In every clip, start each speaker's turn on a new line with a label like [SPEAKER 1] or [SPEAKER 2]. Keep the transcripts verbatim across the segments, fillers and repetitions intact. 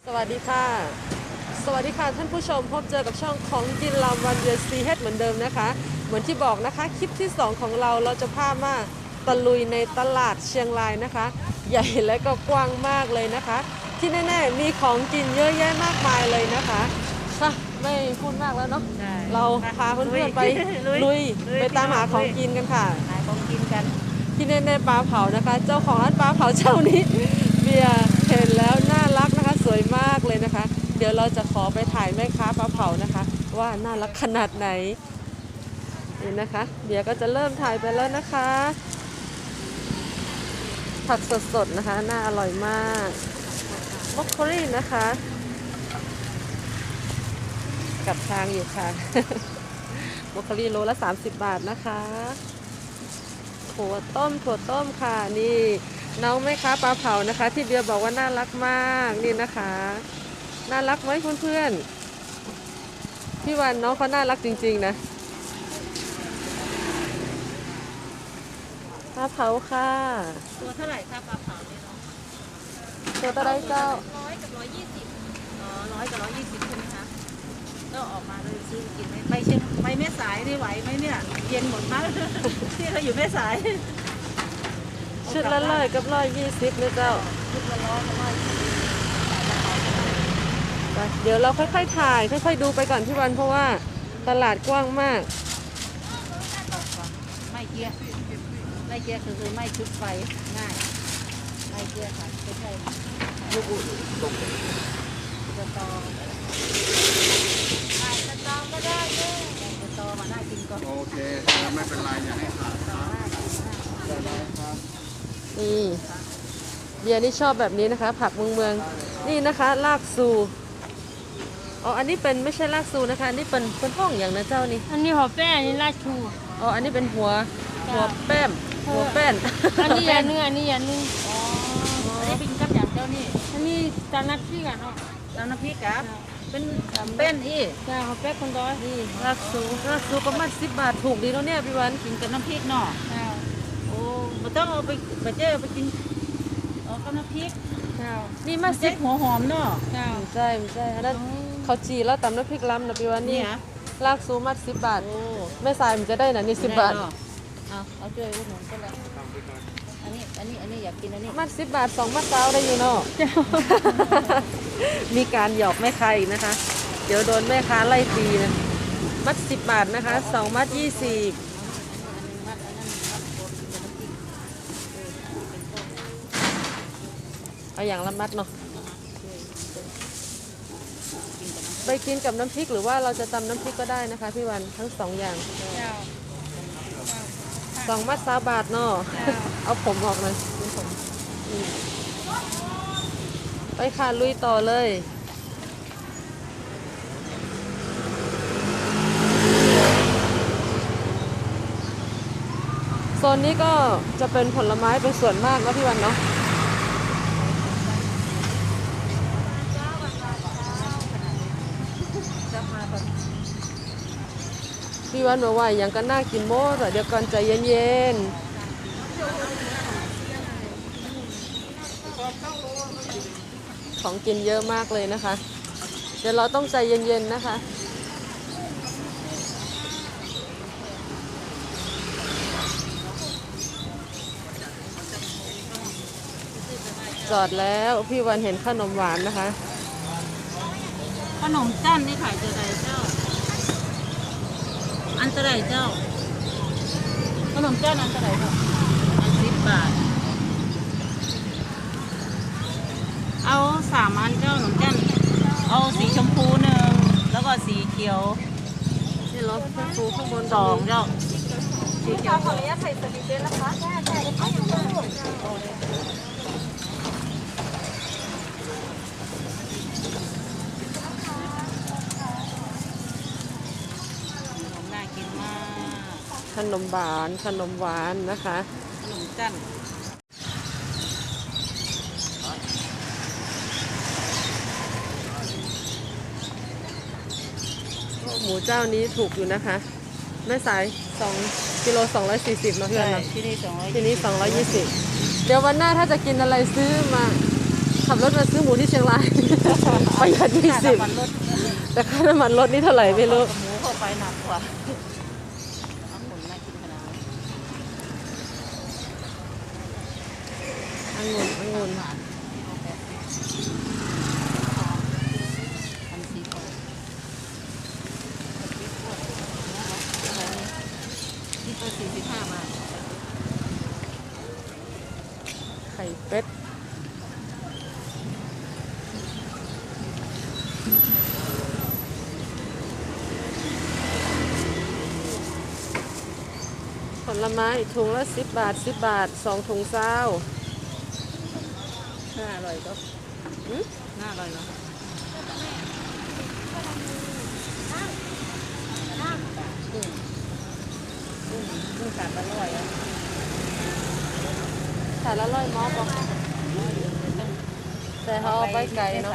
[SPEAKER 1] วัสดีค่ะสวัสดีค่ะท่านผู้ชมพบเจอกับช่องของกินลำวันเดือนซีเฮดเหมือนเดิมนะคะเหมือนที่บอกนะคะคลิปที่สองของเราเราจะพามาตะลุยในตลาดเชียงรายนะคะใหญ่และก็กว้างมากเลยนะคะที่แน่ๆมีของกินเยอะแยะมากมายเลยนะคะค่ะไม่พูดมากแล้วเนาะเราพาเพื่อนๆไปลุยไปตามหาของกินกันค่ะ
[SPEAKER 2] หาของกินกัน
[SPEAKER 1] ที่แน่ๆปลาเผานะคะเจ้าของร้านปลาเผาเจ้านี้เบียร์เห็นแล้วน่ารักนะคะสวยมากเลยนะคะเดี๋ยวเราจะขอไปถ่ายแม่ค้าปลาเผานะคะว่าน่ารักขนาดไหนนี่นะคะเบียร์ก็จะเริ่มถ่ายไปแล้วนะคะผักสดๆนะคะน่าอร่อยมากบรอกโคลีนะคะกับทางอยู่ค่ะบรอกโคลีโลละสามสิบบาทนะคะถั่วต้มถั่วต้มค่ะนี่น้องแม่ค้าปลาเผานะคะที่เบียร์บอกว่าน่ารักมากนี่นะคะน่ารักไหมเพื่อนๆพี่วันน้องเขาน่ารักจริงๆนะปลาเผาค่ะ
[SPEAKER 2] ตัวเท่าไหร่คะปลาเผาเนี่ยเนาะ
[SPEAKER 1] ตัวตะไดเจ้า
[SPEAKER 2] ร้อยกับร้อยยี่สิบอ๋อร้อยกับร้อยยี่สิบใช่ไหมคะก็ออกมาเลยซื้อกินไหมไปเชียงไปแม่สายได้ไหวไหมเนี่ยเย็นหมดมากที่เราอยู่แม่สาย
[SPEAKER 1] ชุดละร้อยกับร้อยยี่สิบนะเจ้า
[SPEAKER 2] ชุดละร้อยกับร้อยยี่สิบ
[SPEAKER 1] เดี๋ยวเราค่อยๆถ่ายค่อยๆดูไปก่อนพี่วันเพราะว่าตลาดกว้างมาก
[SPEAKER 2] ไม่เกียร์ไม่เกียร์คือคือไม่ชุดไฟง่ายไม่เกียร์ค่ะไม่ใช่ลูกอุ่นตรงสตอใช่สตอก็ได้ด้วยสตอมาน่ากินก็
[SPEAKER 3] โอเคไม่เป็นไรอย่าให้ขาดครับได้ครับ
[SPEAKER 1] นี่เบียร์นี่ชอบแบบนี้นะคะผักเมืองเมืองนี่นะคะลากซูอ๋ออันนี้เป็นไม่ใช่ลากซูนะคะอันนี้เป็นเป็นห้องอย่างนะเจ้านี่
[SPEAKER 4] อันนี้หัวแป้งอันนี้ลาดชู
[SPEAKER 1] อ๋ออันนี้เป็นหัวหัวแป้มหัวแป้น
[SPEAKER 4] อันนี้ยาเนื้ออันนี้ยาเนื้อ
[SPEAKER 2] อ๋ออันนี้เป็นกับอย่างเจ้านี่
[SPEAKER 4] อันนี้จานนัดพี่กันเนาะ
[SPEAKER 2] จานน้ำพริกครับเป็นเป็นอี
[SPEAKER 4] จ้าหัวแป้งคนร้อย
[SPEAKER 1] นี่ลากซูลากซูประมาณสิบบาทถูกดีแล้วเนี่ยพี่วัน
[SPEAKER 2] กินกับน้ำพริกเนาะโอ้ไม่ต้องเอาไปไปเจอไปกินอ๋อกับน้ำพริก
[SPEAKER 1] นี่มาสิบ
[SPEAKER 2] หัวหอมเนาะ
[SPEAKER 1] ใช่ใช่อันนั้นเขาจีแล้วตำน้ำพริกล้ำนะพี่วันนี่ลากซูมัดสิบบาทแม่สายมันจะได้นะนี่สิบบาท
[SPEAKER 2] เอาเอาช่วยอุดหนุนก็เลยอันนี้อันนี้อันนี้อยากกินอันนี้
[SPEAKER 1] มัดสิบบาทสองมัดเต้าได้อยู่เนาะมีการหยอกแม่ค้าอีกนะคะเดี๋ยวโดนแม่ค้าไล่ตีนะมัดสิบบาทนะคะสองมัดยี่สิบเอาอย่างละมัดเนาะไปกินกับน้ำพริกหรือว่าเราจะตำน้ำพริกก็ได้นะคะพี่วันทั้งสองอย่างสองมัดสามบาทเนาะเอาผมออกเลยไปค่ะลุยต่อเลยโซนนี้ก็จะเป็นผลไม้เป็นส่วนมากนะพี่วันเนาะพี่วันบอกว่าอย่างก็น่ากินโม้แต่เดี๋ยวก่อนใจเย็นๆของกินเยอะมากเลยนะคะเดี๋ยวเราต้องใจเย็นๆนะคะจอดแล้วพี่วันเห็นขนมหวานนะคะ
[SPEAKER 2] ขนมจ้านนี่ขายเจอไรเจ้าอันเท่าไรเจ้าขนมจ้านอันเท่าไรเจ้าอันสิบบาทเอาสามอันเจ้าขนมจ้านเอาสีชมพูหนึ่งแล้วก็สีเขียว
[SPEAKER 1] นี่รถชมพูข้างบน
[SPEAKER 2] สองเจ้า
[SPEAKER 1] สีเขียวขออนุญาตใส่สลิปด้วยนะคะใช่ใช่ค่ะขนมหวานขนมหวานนะคะ
[SPEAKER 2] ขนมจัน
[SPEAKER 1] หมูเจ้านี้ถูกอยู่นะคะแม่สายสองกิโลสองร้อยสี่สิบเนาะเพื่อนเนาะ
[SPEAKER 2] ที่นี่สองร้อย
[SPEAKER 1] ที่นี่สองร้อยยี่สิบเดี๋ยววันหน้าถ้าจะกินอะไรซื้อมาขับรถมาซื้อหมูที่เชียงรายประหยัดยี่สิบ
[SPEAKER 2] ค่าน้ำมันรถ
[SPEAKER 1] แต่ค่าน้ำมันรถนี่เท่าไหร่ไม่รู้
[SPEAKER 2] หมูเข้าไปหนักกว่าน้ำหมุนน่ากินขนาดนั้น
[SPEAKER 1] องุ่นองุ่น
[SPEAKER 2] อันสีทองนี่ตัวสี่สิบห้าบาท
[SPEAKER 1] ไข่เป็ดผลไม้ถุงละสิบบาทสิบบาทสองถุงเศร้า
[SPEAKER 2] น่าอร่อยก็
[SPEAKER 1] อืม
[SPEAKER 2] น่าอร่อยเนาะกุ้งกุ้งกุ้งขาดอร่อยอ่ะ
[SPEAKER 1] แต่ละร้อยมอบอกแต่เขาเอาไปไกลเนาะ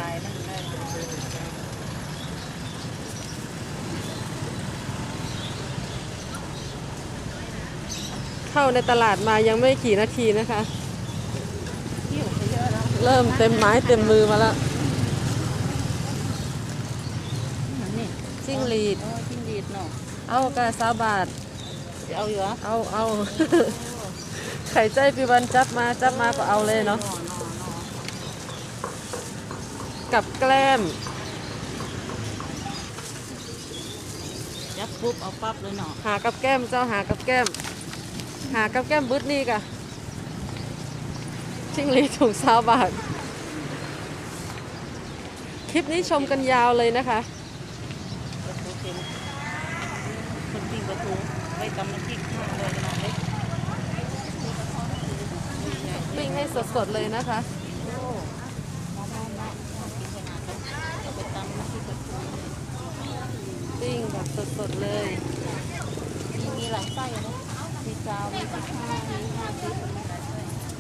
[SPEAKER 1] เข้าในตลาดมายังไม่กี่นาทีนะคะ
[SPEAKER 2] เที่ยวไปเยอะแล้ว
[SPEAKER 1] เริ่มเต็มไม้เต็มมือมาแล้ว
[SPEAKER 2] นี่
[SPEAKER 1] จิ้งหรีด
[SPEAKER 2] เออจิ้งหรีดเนาะ
[SPEAKER 1] เอากระซาบาท
[SPEAKER 2] จะเอาอยู่เหรอ
[SPEAKER 1] เอาเอา ไข่ใจปีวันจับมาจับมาก็เอาเลยเนาะ
[SPEAKER 2] นอนนอนนอน
[SPEAKER 1] กับแกล้ม
[SPEAKER 2] ยับปุ๊บเอาปั๊บเลยเนาะ
[SPEAKER 1] หากับแก้มเจ้าหากับแก้ม หากับแก้มบึ้ดนี่กะชิงหรีดถุงซาวบาท คลิปนี้ชมกันยาวเลยนะคะ
[SPEAKER 2] ปลาทูเค็มคนปิ้งปลาทูไว้ตำน้ำพริกมากเลยนะเล็ก
[SPEAKER 1] ปิ้งให้สดๆเลยนะคะ
[SPEAKER 2] โอ้มองมองมองกินขนาดนั้นเอาไปตำน้ำพริกปลาทู
[SPEAKER 1] ปิ้งแบบสดๆเลย
[SPEAKER 2] มีมีหลายไส้นะมีจาวมีสิบห้ามีห้าสิบมีหลายไส้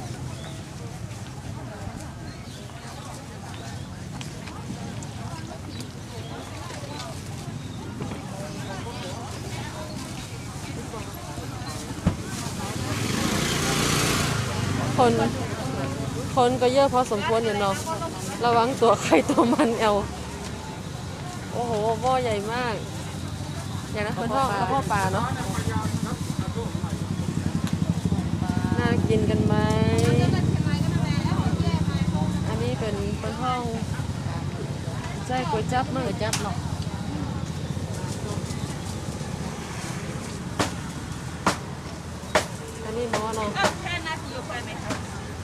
[SPEAKER 1] คน คนก็เยอะพอสมควรอยู่เนาะ ระวังตัวใครตัวมันเอาโอ้โหหม้อใหญ่มาก อย่างนั้นเป็นท่อกระเพาะปลาเนาะ น่ากินกันไหม อันนี้เป็นเป็นห้องใจก๋วยจับมั้ง
[SPEAKER 2] ก๋วยจั๊บเนาะ
[SPEAKER 1] อันนี้หม้อเนาะ
[SPEAKER 2] แค่นาทีไปไหมคะ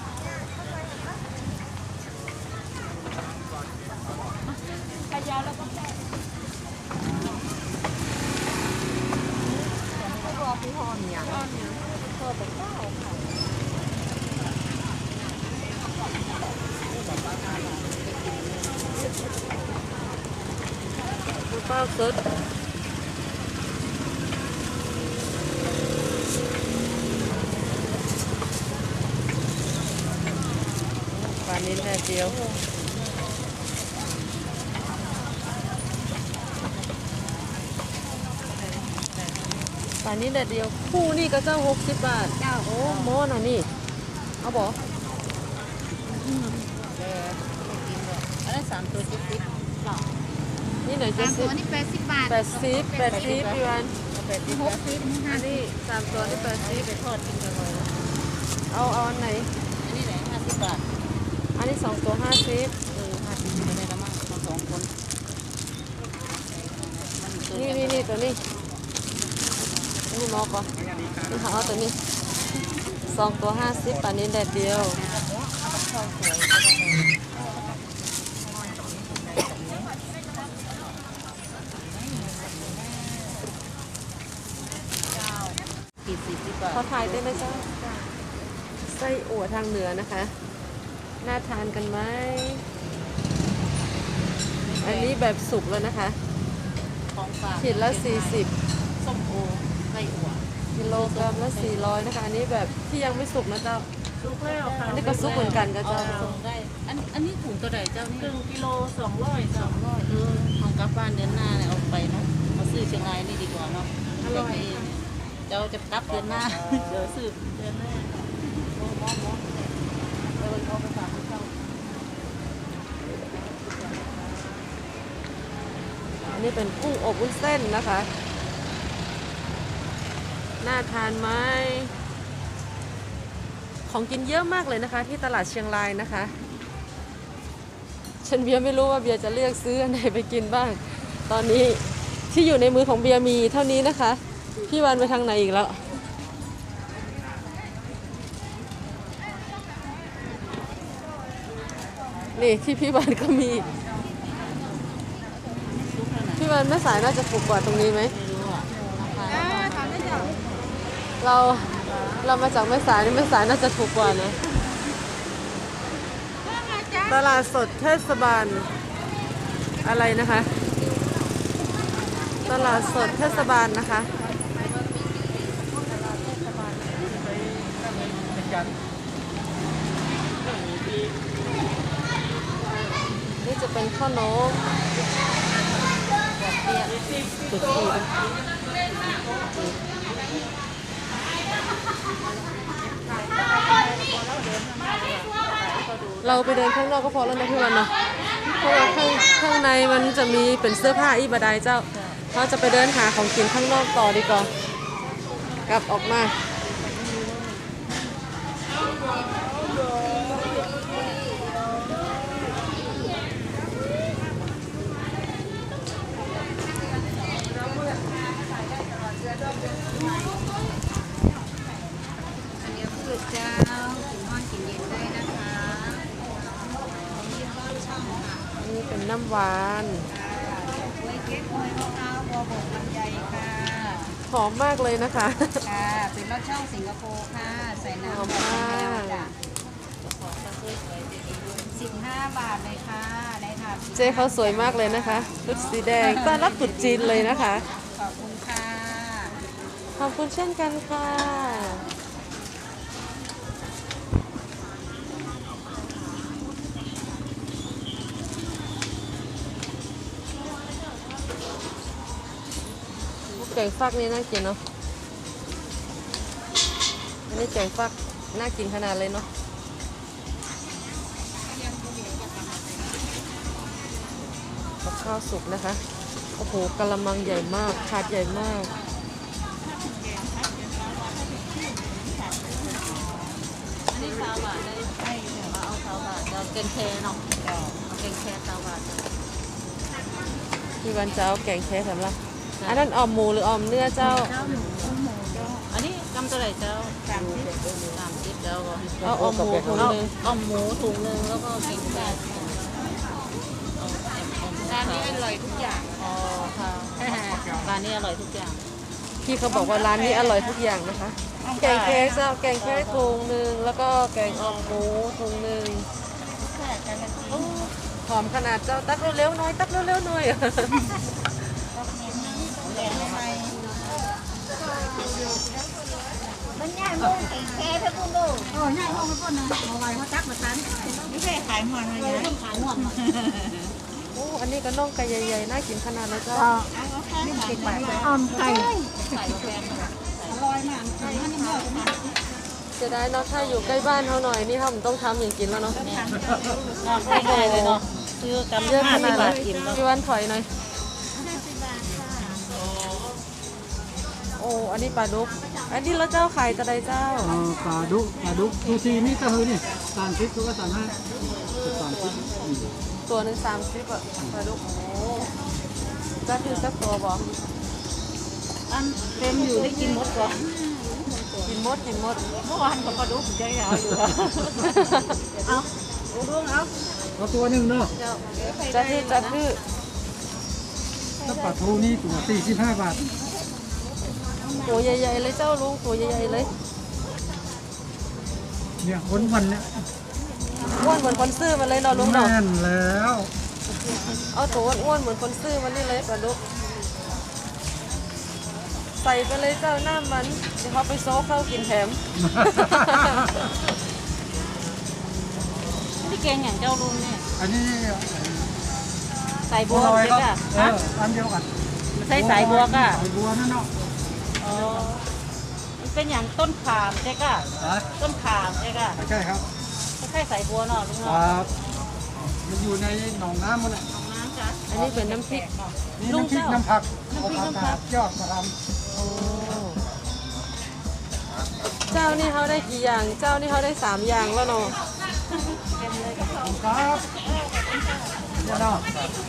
[SPEAKER 1] ข้าวสดปลานิ้นแค่เดียวปลานิ้นแดดเดียวคู่นี่ก็เจ้าหกสิบบาทเจ้าโอ้โมน่ะนี่ เอาบอก
[SPEAKER 2] แกไม่กินหรอกอันนั้นสามตัวจิ๊บจิ๊บหรอ
[SPEAKER 1] นี่หน่อยจะ
[SPEAKER 5] สาม
[SPEAKER 1] สิ
[SPEAKER 5] ตั
[SPEAKER 1] บ
[SPEAKER 5] วนี่แปดสิบบาท
[SPEAKER 1] แปดสิบแปดสิบพี่วัน
[SPEAKER 2] เอาไปจิ๊บ
[SPEAKER 5] หก
[SPEAKER 2] นะ
[SPEAKER 5] สิบนี่ห้า
[SPEAKER 1] อัน
[SPEAKER 5] สิ
[SPEAKER 1] นี้
[SPEAKER 5] บ
[SPEAKER 1] สามตัวนี่แปดสิบ
[SPEAKER 2] ไปทอดกินกันเลย
[SPEAKER 1] เอาเอาอันไหน
[SPEAKER 2] อันนี้ไหนห้าสิบบาท
[SPEAKER 1] อันนี้สองตัวห้าสิบ
[SPEAKER 2] เออห้าสิบไม่ได้ละมั้งเราสองคนมันเกิ
[SPEAKER 1] นี่
[SPEAKER 2] กั
[SPEAKER 1] นี่นี่ตัวนี้นี่มอกก่อนนี่หาเอาตัวนี้สองตัวห้าสิบปลานิ้นแดดเดียว
[SPEAKER 2] ข้าวสวยกี่สิบดีกว่า
[SPEAKER 1] ขอถ่ายได้ไหมเจ้าไส้อั่วทางเหนือนะคะ น่าทานกันไหม อันนี้แบบสุกแล้วนะคะ
[SPEAKER 2] ของฝาก
[SPEAKER 1] ขีดละสี่สิบ
[SPEAKER 2] ส้มโอไส้อั่ว
[SPEAKER 1] กิโลกรัมละสี่ร้อยนะคะ อันนี้แบบที่ยังไม่สุกนะเจ้า
[SPEAKER 2] สุกแล้วค่ะ
[SPEAKER 1] อันนี้ก็สุกเหมือนกันกับ
[SPEAKER 2] เอา
[SPEAKER 1] เจ้า
[SPEAKER 2] ส่งได้อันอันนี้ถุงตัวใดเจ้านี่
[SPEAKER 5] ครึ่งกิโลสองร้อยสองร้อย
[SPEAKER 2] เออเอากลับบ้านเดือนหน้าเนี่ยเอาไปเนาะมาซื้อเชียงรายนี่ดีกว่าเนาะอร่อยเจ้าจะกลับเดือนหน้าเดี๋ยวซื้อเดือนหน้าโอ้มอมอเออเอาไปฝากเขา
[SPEAKER 1] อันนี้เป็นกุ้งอบวุ้นเส้นนะคะน่าทานไหมของกินเยอะมากเลยนะคะ ที่ตลาดเชียงรายนะคะฉันเบียร์ไม่รู้ว่าเบียร์จะเลือกซื้ออันไหนไปกินบ้างตอนนี้ที่อยู่ในมือของเบียร์มีเท่านี้นะคะพี่วันไปทางไหนอีกแล้วนี่ที่พี่วันก็มีพี่วันแม่สายน่าจะถูกกว่าตรงนี้ไหมเราเรามาจากแม่สายนี่แม่สายน่าจะถูกกว่านะตลาดสดเทศบาลอะไรนะคะตลาดสดเทศบาลนะคะนี่จะเป็นข้าวนมตุดตีเราไปเดินข้างนอกก็พอแล้วนะพี่วันเนาะเพราะว่าข้างข้างในมันจะมีเป็นเสื้อผ้าอีบดายเจ้าเราจะไปเดินหาของกินข้างนอกต่อดีกว่ากลับออกมา
[SPEAKER 5] เจ้ากินนอนกินเย็นได้นะคะนี่ก็ช่องค่ะ
[SPEAKER 1] นี่เป็นน้ำหวาน
[SPEAKER 5] กล้วยเก๊กกล้วยมะพร้าวบัวบกลำไยค่ะ
[SPEAKER 1] หอมมากเลยนะคะ
[SPEAKER 5] ค่ะเป็นรสช่องสิงคโปร์ค่ะใส่น้ำ
[SPEAKER 1] หอม
[SPEAKER 5] แบบ
[SPEAKER 1] มาก
[SPEAKER 5] แก้วจ้ะสิบห้าบาทเลยค่ะได้ค่ะ
[SPEAKER 1] เจ๊เขาสวยมากเลยนะคะชุดสีแดงต้อนรับตรุษจีนเลยนะคะ
[SPEAKER 5] ขอบคุณค่ะ
[SPEAKER 1] ขอบคุณเช่นกันค่ะแกงฟักนี่น่ากินเนาะอันนี้แกงฟักน่ากินขนาดเลยเนาะกับข้าวสุกนะคะโอ้โหกะละมังใหญ่มากถาดใหญ่มาก
[SPEAKER 2] อันนี้สาวบาทได้ให้เดี๋ยวเอาสาวบาทเดี๋ยวเกงแคเนาะเดี๋ยวเอาเกงแคสาวบาท
[SPEAKER 1] พี่วันจะเอาแกงแค่สำหรับอันนั้นออมหมูหรือออมเนื้อเจ้า
[SPEAKER 2] เจ้าหมูหมูเจ้าอันนี้กำเท่าไหร่เจ้าสามสิบสามสิบเจ้าก็
[SPEAKER 1] เอาออมหมูถุง
[SPEAKER 2] เอา
[SPEAKER 1] หนึง
[SPEAKER 2] เอาหมูถุงหนึงแล้วก็เกงแคร้านนี้อร่อยทุกอย่างอ๋อค่ะร้านนี้อร่อยทุกอย่าง
[SPEAKER 1] พี่เขาบอกว่าร้านนี้อร่อยทุกอย่างนะคะ แกงแค่เจ้าแกงแค่ถุงหนึ่งแล้วก็แกงออมหมูถุงหนึ่งโอ้หอมขนาดเจ้าตักเร็วๆหน่อยตักเร็วๆหน่อย
[SPEAKER 5] มันง่ายมากแค่เพื่อคุณดูโอ้ง่ายมากเพื่อนนะเอาไว้เขาจักมาทันไม่ใช่ขายหมอนอะไรนะขายหมอน
[SPEAKER 1] โอ้อันนี้ก็น่องไก่ใหญ่ๆน่ากินขนาดนะเจ้า
[SPEAKER 5] นี่สิบบาทออมไก่อร่อยมากไก่มันเยอะมาก
[SPEAKER 1] เสียดายเนาะถ้าอยู่ใกล้บ้านเขาหน่อยนี่เขาต้องทำอย่างกินแล้วเนาะ
[SPEAKER 2] ง่ายเลยเนาะซื้อกำ
[SPEAKER 1] เยอะ
[SPEAKER 2] ห้า
[SPEAKER 1] ข
[SPEAKER 2] สิ
[SPEAKER 1] นาด
[SPEAKER 2] บบา
[SPEAKER 1] นั้
[SPEAKER 2] ท
[SPEAKER 1] น
[SPEAKER 2] กินแล้ว
[SPEAKER 1] พี่วันถอยหน่อยโอ้อันนี้ปลาดุกอันนี้แล้วเจ้าขายจะได้เจ้า
[SPEAKER 6] เอ่อปลาดุกปลาดุกซูชินี่ก็คือนี่สามสิบตัวก็สามห้าสามสิบ
[SPEAKER 1] ตัวหนึ่งสามสิบอะปลาดุกโอ้จะถือสักตัวบอก
[SPEAKER 2] อันเต็มอยู่ได้กินหมดก่อน
[SPEAKER 1] กินหมดกินหมด
[SPEAKER 2] เมื่อวานกับปลาดุกใจเอาอยู่เอาดูเอา
[SPEAKER 6] เอาตัวหนึ่งเนาะ
[SPEAKER 1] จะถือจะถือ
[SPEAKER 6] ถ้าปลาทูนี่ตัวสี่สิบห้าบาท
[SPEAKER 1] ตัวใหญ่ๆเลยเจ้าลุงตัวใหญ่ๆเลย
[SPEAKER 6] เนี่ยคนวันเนี่ย
[SPEAKER 1] อ้วนเหมือนคนซื้อมันเลยเนาะลุงเนาะ
[SPEAKER 6] แน่นแล้ว
[SPEAKER 1] เอาตัวอ้วนๆเหมือนคนซื้อมันนี่เลยปลาดุกใส่ไปเลยเจ้าหน้ามันเดี๋ยวเขาไปโซ่เข้ากินแถม
[SPEAKER 2] พี่เกงอย่างเจ้าลุงเนี่ย
[SPEAKER 6] อันนี้
[SPEAKER 2] ใส่บั
[SPEAKER 6] บั
[SPEAKER 2] ว
[SPEAKER 6] วลอย
[SPEAKER 2] เจ๊
[SPEAKER 6] ก็
[SPEAKER 2] กะ
[SPEAKER 6] เอออันเดียวกัน
[SPEAKER 2] ใส่สายบัวกะ
[SPEAKER 6] สายบัวนั่นเนาะ
[SPEAKER 2] อ๋อมันเป็นอย่างต้นขามเจ๊กะ
[SPEAKER 6] ฮะ
[SPEAKER 2] ต้นขามเจ๊กะ
[SPEAKER 6] ใช่ครับ
[SPEAKER 2] ไม่ใช่สายบัวเนาะลุง
[SPEAKER 6] ค
[SPEAKER 2] เนาะ
[SPEAKER 6] รับมันอยู่ในหนองน้ำมันแหละ
[SPEAKER 2] น้ำจ้ะ
[SPEAKER 1] อันนี้เป็นน้ำพริก
[SPEAKER 6] นี่
[SPEAKER 1] ลุง
[SPEAKER 6] น้ำพริก
[SPEAKER 1] เจ้า
[SPEAKER 6] น้ำผักเอาผักกาดยอดมาท
[SPEAKER 1] โอ้เจ้านี่เขาได้กี่อย่าง เจ้านี่เขาได้สามอย่างแล้วเนาะ
[SPEAKER 6] ำครับเดี๋ยวเนาะ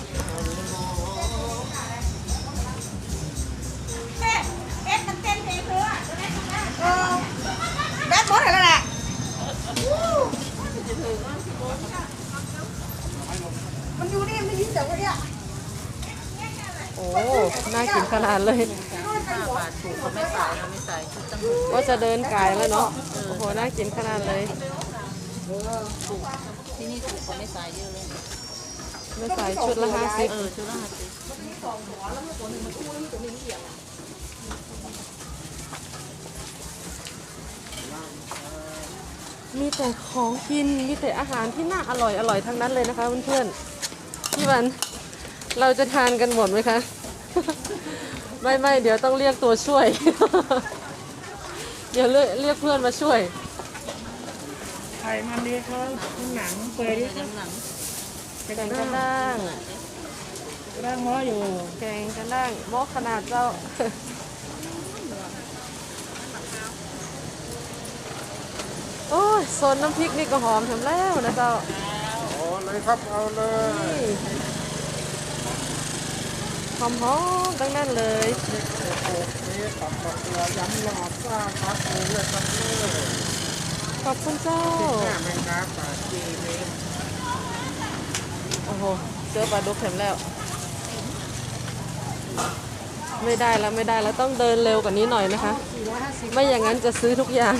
[SPEAKER 5] เอ็ดมันเต้นเพลงเลยอ่ะเออแบดบอสอะไรแหละ มันอยู่นี่มันยินแต่ว่าเนี่ย
[SPEAKER 1] โอ้ น่ากินขนาดเลย
[SPEAKER 2] ห้าบาทถูกเขาไม่ขายเราไม่ใส่ชุดตั้งหก
[SPEAKER 1] ก็จะเดินกายแล้วเนาะ โอ้โห น่ากินขนาดเลย
[SPEAKER 2] ถูกที่นี่ถูกเขาไม่ใส่เยอะเลย
[SPEAKER 1] ไม่ใส่ชุดละห้าสิบ
[SPEAKER 2] เออชุดละห้าสิบ
[SPEAKER 1] มีแต่ของกิน มีแต่อาหารที่น่าอร่อยอร่อยทั้งนั้นเลยนะคะเพื่อนๆพี่วัน เราจะทานกันหมดไหมคะ ไม่ไม่เดี๋ยวต้องเรียกตัวช่วย เดี๋ยวเรียกเรียกเพื่อนมาช่วย
[SPEAKER 4] ไข่มันดีเขาหนังเปื่อยดิ
[SPEAKER 2] น้ำหนัง
[SPEAKER 1] แกงกระด้าง
[SPEAKER 4] ร่างง้ออยู่
[SPEAKER 1] แกงกระด้างหม้อขนาดเจ้า โอ้ยโซนน้ำพริกนี่ก็หอมถึงแล้วนะเจ้า
[SPEAKER 3] โอ้เลยครับเอาเลย
[SPEAKER 1] หอมหอมๆตั้งนั้นเลย
[SPEAKER 3] โอ้นี่ตับกับเกลือยำหลอดซ่าครับโอ้เลยครับเลย
[SPEAKER 1] ขอบคุณเจ้า
[SPEAKER 3] แม่แมงดาปลาจีเมน
[SPEAKER 1] โอ้โห เจอปลาดุกเข็มแล้ว ไม่ได้แล้วไม่ได้แล้วต้องเดินเร็วกว่านี้หน่อยนะคะ ไม่อย่างนั้นจะซื้อทุกอย่าง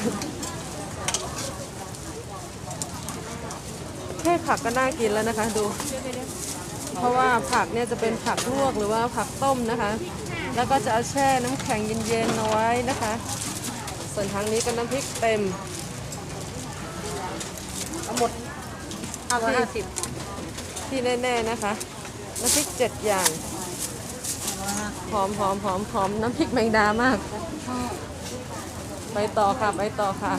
[SPEAKER 1] แค่ผักก็น่ากินแล้วนะคะดู เพราะว่าผักเนี่ยจะเป็นผักลวกหรือว่าผักต้มนะคะ แล้วก็จะเอาแช่น้ำแข็งเย็นๆเอาไว้นะคะ ส่วนทางนี้ก็น้ำพริกเต็มทั้งหมด
[SPEAKER 2] ห้าร้อยห้าสิบ
[SPEAKER 1] ที่แน่ๆนะคะ น้ำพริกเจ็ดอย่าง หอมหอมหอมหอมน้ำพริกแมงดามาก ไปต่อค่ะไปต่อค่ะ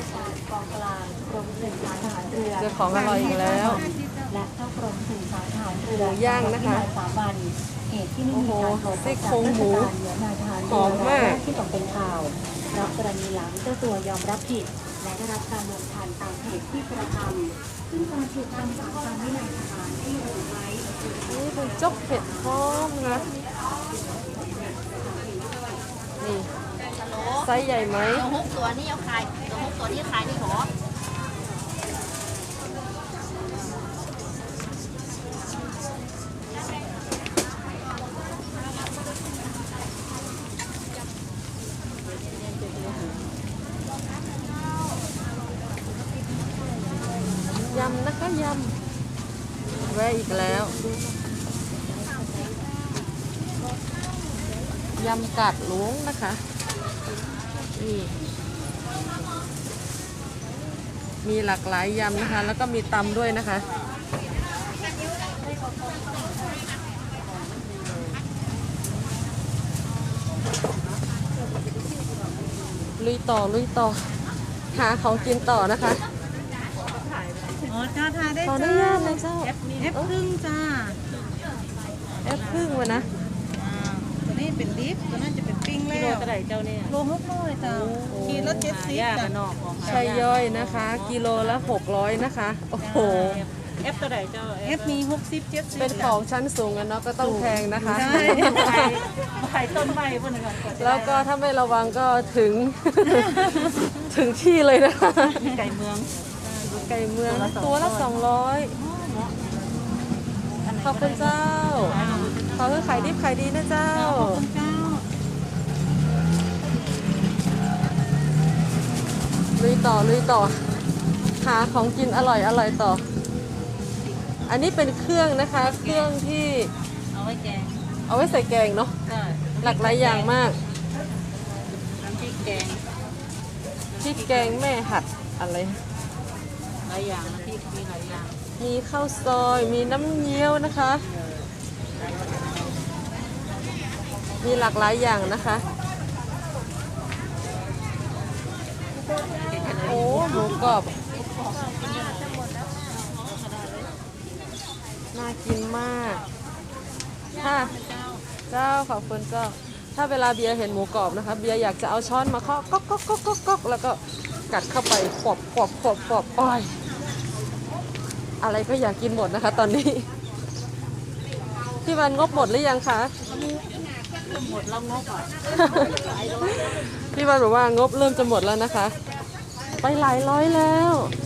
[SPEAKER 1] เจอของอร่อยอีกแล้ว
[SPEAKER 7] และเข้ากรมสื่อสารทหารเรือ
[SPEAKER 1] หมูย่างนะคะ
[SPEAKER 7] สามวันเหตุที่ไม่มีการขอ
[SPEAKER 1] ซี่โครงหมู
[SPEAKER 7] เหนือนายทหาร
[SPEAKER 1] หอมมาก
[SPEAKER 7] ที่ตกเป็นข่าวรับกรณีหลังเจ้าตัวยอมรับผิด และได้รับการลงทันตามเหตุที่กระทำซึ่งการถูกคำสั่งตามวินัยทหารที่ระบุไว้
[SPEAKER 1] นี่เป็นจกเผ็ดหอมนะคะนี่ไซส์ใหญ่ไหม
[SPEAKER 5] ตัวหกตัวนี่เอาขายตัวหกตัวนี่ขายนี่หรอ
[SPEAKER 1] ยำนะคะยำแวะอีกแล้ว ยำกัดหลวงนะคะนี่มีหลากหลายยำนะคะ แล้วก็มีตำด้วยนะคะ ลุยต่อลุยต่อ หาของกินต่อนะคะ
[SPEAKER 2] อ๋อจ้าทายได้
[SPEAKER 1] ขออนุ
[SPEAKER 2] จ้า
[SPEAKER 1] ญาตนะเจ้า
[SPEAKER 2] เอฟเอฟครึ่งจ้า
[SPEAKER 1] แอปพึ่งวะนะ
[SPEAKER 2] อ่าตัวนี้เป็นดิฟตัวนั้นจะเป็นปิ้งแล้วกิโลเท่าไหร่เจ้าเนี่ยโลหกร้อยจ้าขีดละเจ็ดสิบจ้านอกของ
[SPEAKER 1] ใช่ย่อยนะคะ กิโลละหกร้อยนะคะ โอ้โห
[SPEAKER 2] เอฟตัวไหนเจ้าเอฟมีหกสิบเจ็ดสิบ
[SPEAKER 1] เป็นของชั้นสูงกันเนาะก็ต้องแพงนะคะ
[SPEAKER 2] ใช่ใบใบต้นใบพวกนี้ก่อน
[SPEAKER 1] แล้วก็ถ้าไม่ระวังก็ถึง ถึงที่เลยนะคะ
[SPEAKER 2] ไก่เมือง
[SPEAKER 1] ไก่เมืองตัวละสองร้อยขอบคุณเจ้า ขอให้ขายดิบขายดีนะเจ้า
[SPEAKER 2] เจ้า
[SPEAKER 1] ลุยต่อลุยต่อ หาของกินอร่อยอร่อยต่อ อันนี้เป็นเครื่องนะคะ เครื่องที่
[SPEAKER 2] เอาไว้แกง
[SPEAKER 1] เอาไว้ใส่แกงเนาะ
[SPEAKER 2] ใช่
[SPEAKER 1] หลากหลายอย่างมาก
[SPEAKER 2] น้ำพริกแกง
[SPEAKER 1] พริกแกงแม่หัดอะไร
[SPEAKER 2] หลายอย่างน้ำพริกมีหลายอย่าง
[SPEAKER 1] มีข้าวซอย มีน้ำเงี้ยวนะคะ มีหลากหลายอย่างนะคะ โอ้หมูกรอบ น่ากินมากเจ้าขอบคุณเจ้า ถ้าเวลาเบียร์เห็นหมูกรอบนะคะ เบียร์อยากจะเอาช้อนมาเคาะก๊อกก๊อกก๊อกก๊อกก๊อกแล้วก็กัดเข้าไปปอบปอบปอบปอบอ้อยอะไรก็อยากกินหมดนะคะ ตอนนี้พี่วันงบหมดหรือยังคะ
[SPEAKER 2] หมดแล้วงบอ่ะ
[SPEAKER 1] พี่วันบอกว่างบเริ่มจะหมดแล้วนะคะ ไปหลายร้อยแล้ว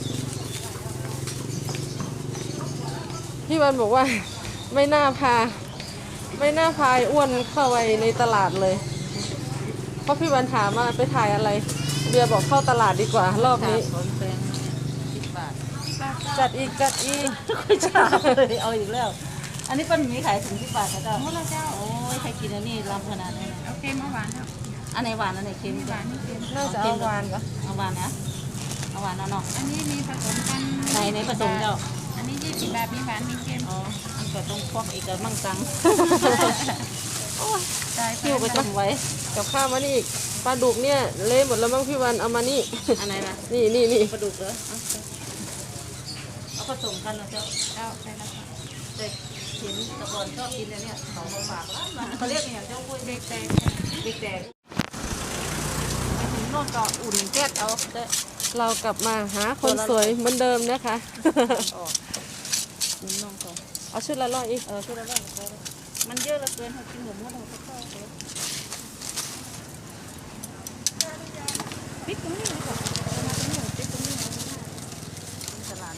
[SPEAKER 1] พี่วันบอกว่าไม่น่าพา ไม่น่าพายอ้วนเข้าไปในตลาดเลย เพราะพี่วันถามว่าไปถ่ายอะไร เบียร์บอกเข้าตลาดดีกว่ารอบนี้
[SPEAKER 2] สนแพงสิบบาท
[SPEAKER 1] จัดอีกจัดอีก
[SPEAKER 2] คุยจ้าเลยเอาอีกแล้ว อันนี้เป็นหมีขายถึงสิบบาทค่ะเจ้าหมดแล้วเจ้าโอ้ยใครกินอันนี้ลำขนาดนี้นะ
[SPEAKER 5] โอเคเมื่อวานครับ
[SPEAKER 2] อันไหนหวานอันไหนเค็มหวาน
[SPEAKER 1] น่าจะเอาวานก็
[SPEAKER 2] เอาหวานนะเอาหวานเอาเนาะ
[SPEAKER 5] อันนี้มีผสมกัน
[SPEAKER 2] ไหนไหนผสมเจ้า
[SPEAKER 5] อันนี้ยี่สิบบาทมีหวานมีเค็ม
[SPEAKER 2] อ๋ออันก็ต้องควักอีกกับมั่งตัง
[SPEAKER 5] ได้
[SPEAKER 2] คิวไปต้มไว้
[SPEAKER 1] กับข้าวมานี่อีกปลาดุกเนี่ยเละหมดแล้วมั้งพี่วันเอามานี่
[SPEAKER 2] อันไหนล่ะ
[SPEAKER 1] นี่นี่นี่
[SPEAKER 2] ปลาดุกเหรอเอาเอาผสมกันนะเจ้า
[SPEAKER 5] เจ้าใช่แล้วค่ะ
[SPEAKER 2] เด็กเห็นแตะกอนชอบกินอันเนี่ยของมาฝากร้านมาเขาเรียกอย่างเจ้ากุ้ย
[SPEAKER 5] เด็กแตก
[SPEAKER 2] เด็กแดงไปถึงโน่นก็อุ่นแก๊สเอาเด้อ
[SPEAKER 1] เรากลับมาหาคนสวยเหมือนเดิมนะคะ
[SPEAKER 2] ออกอุ่นน้องก่อน
[SPEAKER 1] เอาชุดละร้อยอีก
[SPEAKER 2] เออช่วยเราได้ช่วยเรามันเยอะเหลือเกินให้กินหมดหมดเราก็เข้าไปพริกตรงนี้เลยค่ะมาตรงนี้พริกตรงนี้เลยตลาด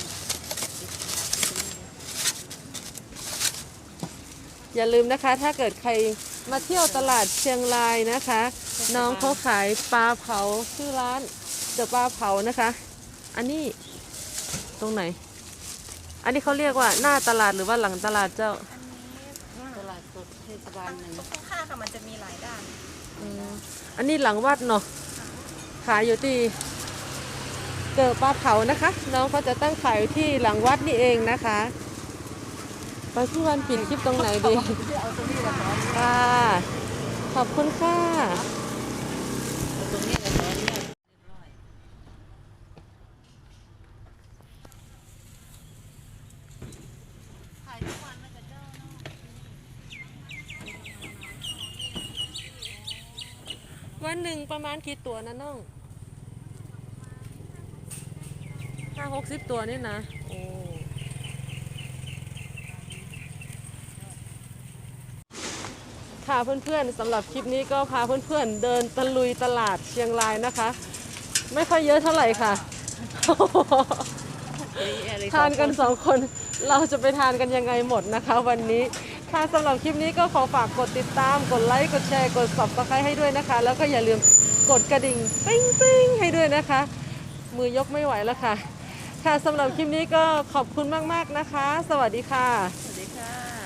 [SPEAKER 1] อย่าลืมนะคะ ถ้าเกิดใครมาเที่ยวตลาดเชียงรายนะคะ น้องเขาขายปลาเผาชื่อร้านเดอะปลาเผานะคะ อันนี้ตรงไหน อันนี้เขาเรียกว่าหน้าตลาดหรือว่าหลังตลาดเจ้า
[SPEAKER 2] ตลาดสดเทศบาลหนึ่ง
[SPEAKER 5] ข้างๆค่ะมันจะมีหลายด้าน
[SPEAKER 1] อืมอันนี้หลังวัดเนาะขายอยู่ที่เกิดปลาเผานะคะ น้องเขาจะตั้งขายอยู่ที่หลังวัดนี่เองนะคะไปพี่วันปิดคลิปตรงไหนดีค่ะขอบคุณค่ะ
[SPEAKER 2] ตรงนี้เลยตอนนี้
[SPEAKER 1] วันหนึ่งประมาณกี่ตัวนะน้องห้าหกสิบตัวนี่นะโอ้ค่ะเพื่อนๆสำหรับคลิปนี้ก็พาเพื่อนๆเดินตะลุยตลาดเชียงรายนะคะ ไม่ค่อยเยอะเท่าไหร่ค่ะ ทานกันสองคนเราจะไปทานกันยังไงหมดนะคะ วันนี้ค่ะสำหรับคลิปนี้ก็ขอฝากกดติดตามกดไลค์กดแชร์กด ซับสไครบ์ ให้ด้วยนะคะ แล้วก็อย่าลืมกดกระดิ่งปิ้งปิ้งให้ด้วยนะคะ มือยกไม่ไหวแล้วค่ะค่ะสำหรับคลิปนี้ก็ขอบคุณมากๆนะคะ สวัสดีค่ะ
[SPEAKER 2] สวัสดีค่ะ